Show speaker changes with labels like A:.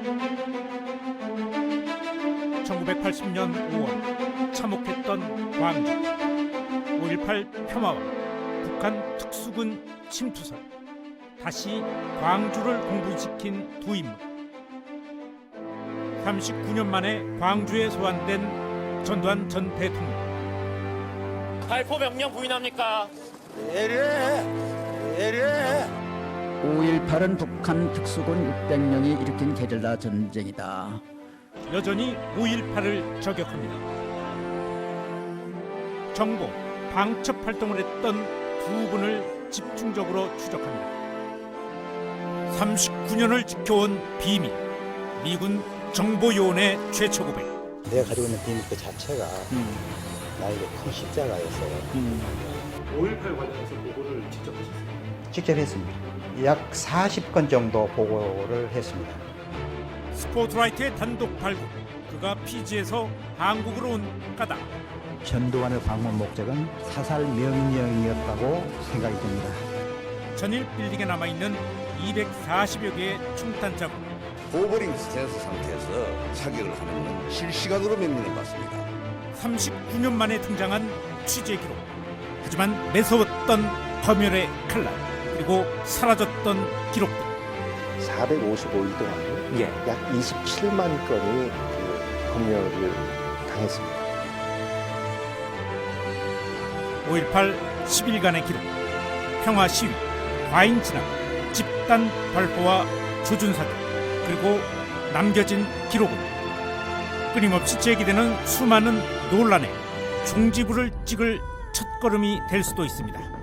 A: (1980년 5월) 참혹했던 광주 5.18 폄하와 북한 특수군 침투설, 다시 광주를 공부시킨 두 인물. 39년 만에 광주에 소환된 전두환 전 대통령.
B: 발포 명령 부인합니까?
C: 예리해.
D: 5.18은 북한 특수군 600명이 일으킨 게릴라 전쟁이다.
A: 여전히 5.18을 저격합니다. 정보, 방첩 활동을 했던 두 분을 집중적으로 추적합니다. 39년을 지켜온 비밀, 미군 정보요원의 최초 고백.
C: 내가 가지고 있는 비밀 그 자체가 나에게 큰 십자가였어요.
A: 5.18 관련해서 보고를 직접 하셨습니다.
C: 직접 했습니다. 약 40건 정도 보고를 했습니다.
A: 스포트라이트의 단독 발굴, 그가 피지에서 한국으로 온 까닭.
C: 전두환의 방문 목적은 사살 명령이었다고 생각이 듭니다.
A: 전일 빌딩에 남아있는 240여 개의 총탄 자국.
E: 오버링 스탠스 상태에서 사격을 하는 건 실시간으로 명령을 받습니다.
A: 39년 만에 등장한 취재 기록. 하지만 매서웠던 검열의 칼날, 그리고 사라졌던 기록들.
F: 455일 동안 약 27만 건이 검열을 당했습니다.
A: 5.18 10일간의 기록, 평화 시위, 과잉 진압, 집단 발포와 조준 사격, 그리고 남겨진 기록은 끊임없이 제기되는 수많은 논란에 종지부를 찍을 첫걸음이 될 수도 있습니다.